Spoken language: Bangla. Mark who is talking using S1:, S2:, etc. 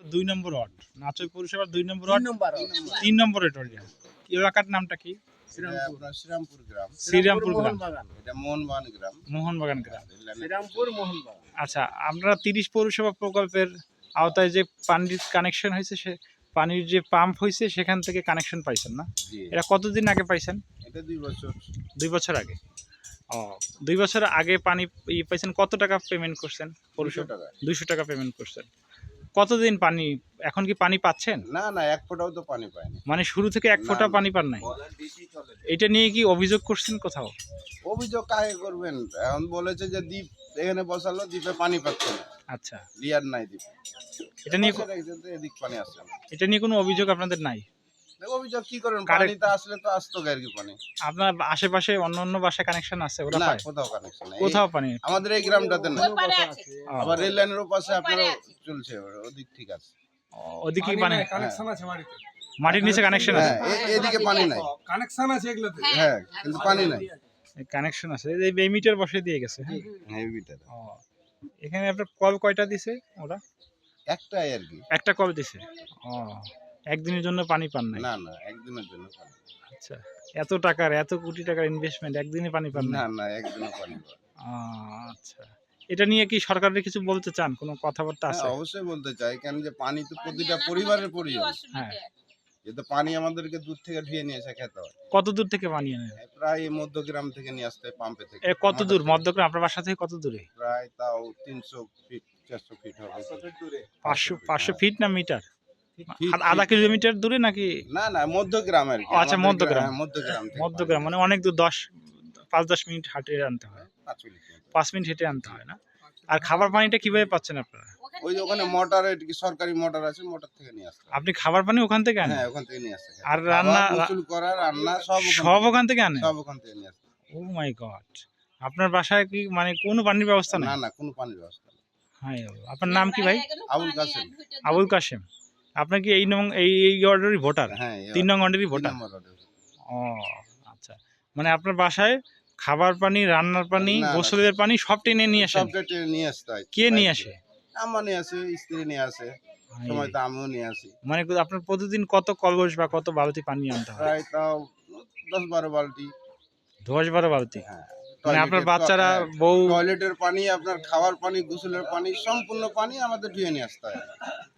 S1: 2 নম্বর ওয়ার্ড, নাচই পৌরসভার 2 নম্বর ওয়ার্ড, 3 নম্বর এরিয়া। এলাকার নামটা কি?
S2: শ্রীরামপুর গ্রাম।
S1: শ্রীরামপুর গ্রাম,
S2: এটা মোহনবাগান গ্রাম।
S1: মোহনবাগান গ্রাম।
S2: শ্রীরামপুর মোহনবাগান।
S1: আচ্ছা, আমরা 30 পৌরসভা প্রকল্পের আওতায় যে পানির কানেকশন হয়েছে, সে পানির যে পাম্প হয়েছে সেখান থেকে কানেকশন পাইছেন না?
S2: জি,
S1: এটা কতদিন আগে পাইছেন?
S2: এটা 2 বছর।
S1: 2 বছর আগে। ও, 2 বছর আগে পানি পাইছেন। কত টাকা পেমেন্ট করছেন?
S2: 200 টাকা।
S1: 200 টাকা পেমেন্ট করছেন। কতদিন পানি, এখন কি পানি পাচ্ছেন?
S2: না না, এক ফোঁটাও তো পানি পায়নি।
S1: মানে শুরু থেকে এক ফোঁটা
S2: না, না।
S1: পানি পান নাই? এটা নিয়ে কি অভিযোগ করছেন কোথাও?
S2: অভিযোগ কাকে করবেন? এখন বলেছে যে দ্বীপ এখানে বসালো, দ্বীপে পানি পাচ্ছে না।
S1: আচ্ছা,
S2: লিয়ার নাই দ্বীপে।
S1: এটা নিয়ে
S2: বসে রেখেছে তো, এদিক পানি আসছে না।
S1: এটা নিয়ে কোনো অভিযোগ আপনাদের নাই?
S2: অভিযোগ কি করেন?
S1: কারে-
S2: পানি তো আসলে তো আসতো আর কি পানি।
S1: আপনার আশেপাশে অন্য বাসায় কানেকশন আছে, ওরা
S2: না,
S1: পায়?
S2: কোথাও কানেকশন নাই।
S1: কোথাও পানি?
S2: আমাদের এই গ্রামটাতে না।
S1: ও,
S2: আবার রেল লাইনের ওপাশে আপনার চলছে, ওদিক ঠিক আছে।
S1: ওদিকে পানি,
S3: কানেকশন আছে বাড়িতে,
S1: মাটির নিচে কানেকশন আছে?
S2: হ্যাঁ, এদিকে পানি নাই।
S3: কানেকশন আছে এগুলোতে।
S2: হ্যাঁ, কিন্তু পানি নাই।
S1: কানেকশন আছে, এই মিটার বসে দিয়ে গেছে। হ্যাঁ।
S2: হেভিটার
S1: ও, এখানে আপনার কল কয়টা দিছে ওরা?
S2: একটাই আর কি।
S1: একটা কল দিছে। ও, একদিনের জন্য পানি পান নাই?
S2: না না, একদিনের জন্য পানি।
S1: আচ্ছা, এত টাকার, এত কোটি টাকার ইনভেস্টমেন্ট, একদিনে পানি পান
S2: না
S1: না?
S2: না, একদিনও পানি পাই।
S1: আচ্ছা, এটা নিয়ে কি সরকারের কিছু বলতে চান? কোনো কথাবার্তা
S2: হ্যাঁ,
S1: আছে?
S2: অবশ্যই বলতে চাই, কেন যে পানি তো প্রতিটা পরিবারের প্রয়োজন।
S1: হ্যাঁ।
S2: যেহেতু পানি আমাদেরকে দূর থেকে ধুয়ে নিয়ে এসে খেতে হয়।
S1: কত দূর থেকে পানি আনেন?
S2: প্রায় মধ্যগ্রাম থেকে নিয়ে আসতে হয়, পাম্পে থেকে।
S1: কত দূর মধ্যগ্রাম আপনার বাসা থেকে? কত দূরে?
S2: প্রায় তাও 300 ফিট 400 ফিট হবে।
S1: 500 ফিট না মিটার?
S2: ফিট,
S1: আধা
S2: ফিট।
S1: কিলোমিটার দূরে নাকি?
S2: না না, মধ্যগ্রাম আর কি।
S1: ও, আচ্ছা,
S2: আমাদের
S1: মধ্যগ্রাম।
S2: হ্যাঁ, মধ্যগ্রাম থেকে
S1: মধ্যগ্রাম মানে অনেক দূর, 5-10 মিনিট হাঁটে আনতে হয়।
S2: 5 মিনিট মতো।
S1: 5 মিনিট হেঁটে আনতে হয় না? আর খাবার পানিটা কিভাবে পাচ্ছেন আপনারা?
S2: ওই যে ওখানে মোটরে সরকারি মোটর আছে, মোটর থেকে নিয়ে আসতে হয়।
S1: আপনি খাবার পানি ওখান থেকে আনেন?
S2: হ্যাঁ, ওখান থেকে নিয়ে আসতে হয়।
S1: আর
S2: খাওয়া,
S1: রান্না,
S2: গোসল করা, রান্না
S1: সব ওখান থেকে আনেন?
S2: সব ওখান থেকে নিয়ে আসতে হয়।
S1: Oh my god! আপনার বাসায় কি মানে কোনো পানির ব্যবস্থা নেই?
S2: না না, কোনো পানির ব্যবস্থা নেই।
S1: হায় আল্লাহ! আপনার নাম কি ভাই?
S2: আবুল কাসেম।
S1: আবুল কাশেম। আপনার কি এই ওয়ার্ডেরই ভোটার?
S2: হ্যাঁ,
S1: 3 নং ওয়ার্ডেরই ভোটার? ও, আচ্ছা। মানে আপনার বাসায় খাবার পানি, রান্নার পানি,
S2: না, না।
S1: গোসলের পানি সব টেনে নিয়ে আসেন?
S2: সবটা টেনে নিয়ে আসতে হয়।
S1: কে নিয়ে আসে?
S2: আম্মা নিয়ে আসে, স্ত্রী নিয়ে আসে, সময় তো আমিও নিয়ে আসি।
S1: মানে আপনার প্রতিদিন কত কলস বা কত বালতি পানি আনতে হয়?
S2: প্রায় তাও 10-12 বালতি।
S1: 10-12 বালতি?
S2: হ্যাঁ,
S1: মানে আপনার
S2: টয়লেটের
S1: বাচ্চারা,
S2: হ্যাঁ,
S1: বউ?
S2: টয়লেটের পানি, আপনার খাওয়ার পানি, গোসলের পানি, সম্পূর্ণ পানি আমাদের ধুয়ে নিয়ে আসতে হয়।